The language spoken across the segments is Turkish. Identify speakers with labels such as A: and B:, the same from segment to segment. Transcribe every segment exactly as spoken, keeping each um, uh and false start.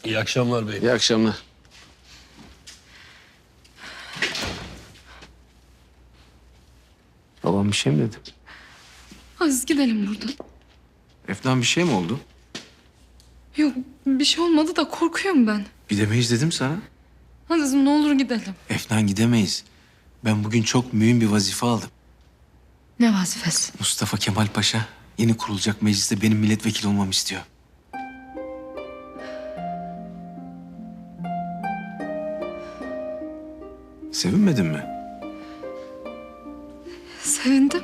A: İyi akşamlar bey.
B: İyi akşamlar. Babam bir şey mi dedi?
C: Aziz gidelim buradan.
B: Efnan bir şey mi oldu?
C: Yok bir şey olmadı da korkuyorum ben.
B: Gidemeyiz dedim sana.
C: Aziz'im ne olur gidelim.
B: Efnan gidemeyiz. Ben bugün çok mühim bir vazife aldım.
C: Ne vazifesi?
B: Mustafa Kemal Paşa yeni kurulacak mecliste benim milletvekili olmamı istiyor. Sevinmedin mi?
C: Sevindim.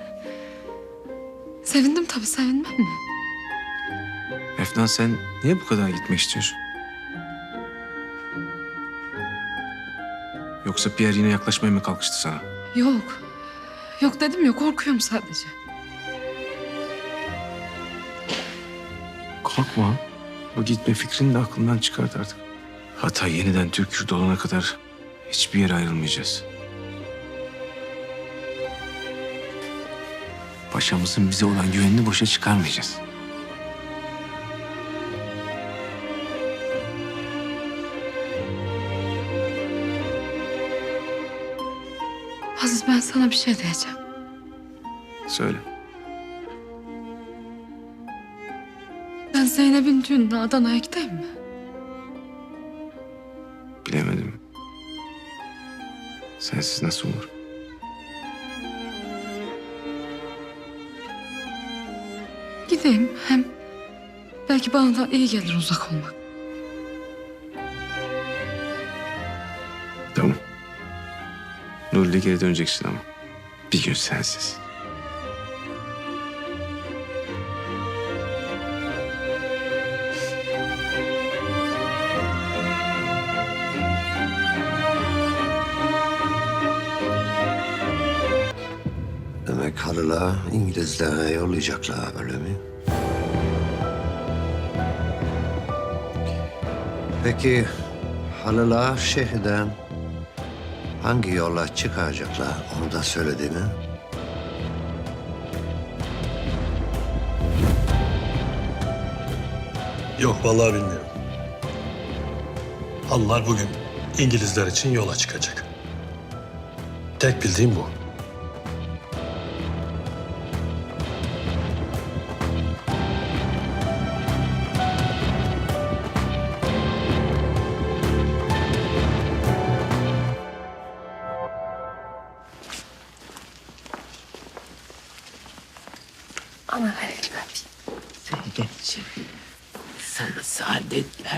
C: Sevindim tabii, sevinmem mi?
B: Efnan sen niye bu kadar gitmek istiyorsun? Yoksa Pierre yine yaklaşmaya mı kalkıştı sana?
C: Yok. Yok dedim ya, korkuyorum sadece.
B: Korkma. Bu gitme fikrini de aklından çıkart artık. Hatay yeniden Türk yurdu olana kadar hiçbir yere ayrılmayacağız. Paşamızın bize olan güvenini boşa çıkarmayacağız.
C: Aziz, ben sana bir şey diyeceğim.
B: Söyle.
C: Ben Zeynep'in düğününe Adana'ya gideyim mi?
B: Bilemedim. Sensiz nasıl olur?
C: Gideyim, hem belki bana da iyi gelir uzak olmak.
B: Tamam. Nuri'yle geri döneceksin ama. Bir gün sensiz.
D: Demek halıla İngilizlere yollayacaklar, öyle mi? Peki halıla şehirden hangi yolla çıkaracaklar, onu da söyledi mi?
A: Yok vallahi bilmiyorum. Halılar bugün İngilizler için yola çıkacak. Tek bildiğim bu.
C: Ana ver.
E: Sevgeciğim, sana saadetler.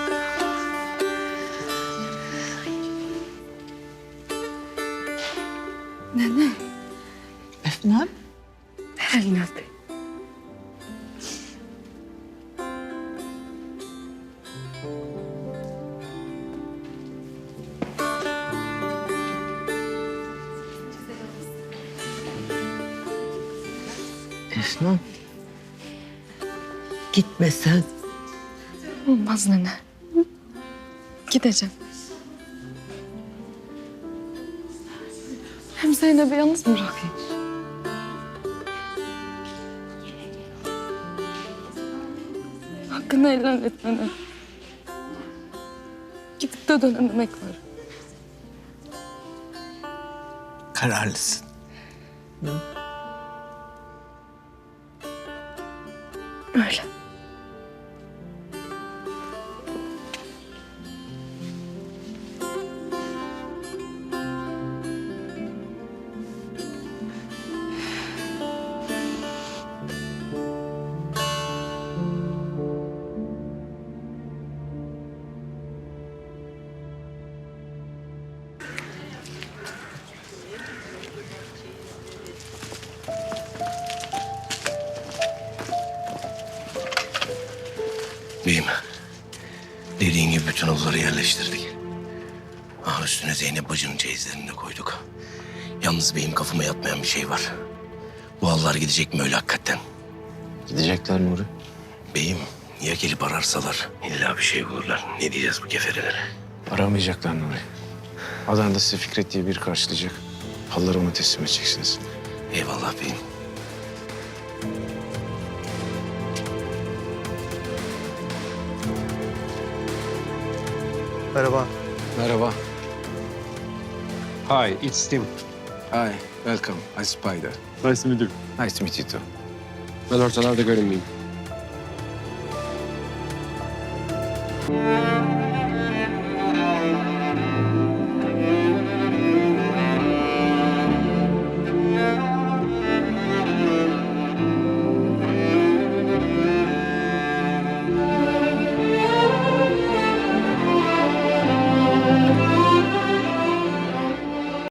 C: Nene,
E: Efnan,
C: elini öpeyim.
E: Efnan. Gitmesen
C: Olmaz nene. Gideceğim. Hem Zeynep'i yalnız mı bırakayım? Hakkını helal et nene. Gidip de dönememek var.
E: kararlısın.
C: Öyle.
F: Beyim, dediğin gibi bütün odaları yerleştirdik. Ah, üstüne Zeynep bacının çeyizlerini de koyduk. Yalnız beyim, kafama yatmayan bir şey var. Bu halılar gidecek mi öyle hakikaten?
B: Gidecekler Nuri.
F: Beyim, ya gelip ararsalar? İlla bir şey bulurlar. Ne diyeceğiz bu keferelere?
B: Aramayacaklar Nuri. Adana'da sizi Fikret diye biri karşılayacak. Halıları ona teslim edeceksiniz.
F: Eyvallah beyim.
G: Merhaba.
B: Merhaba.
G: Hi, it's Tim.
B: Hi, welcome. I'm Spider.
G: Nice to meet you.
B: Nice to meet you too.
G: Ben ortalarda görünmeyeyim.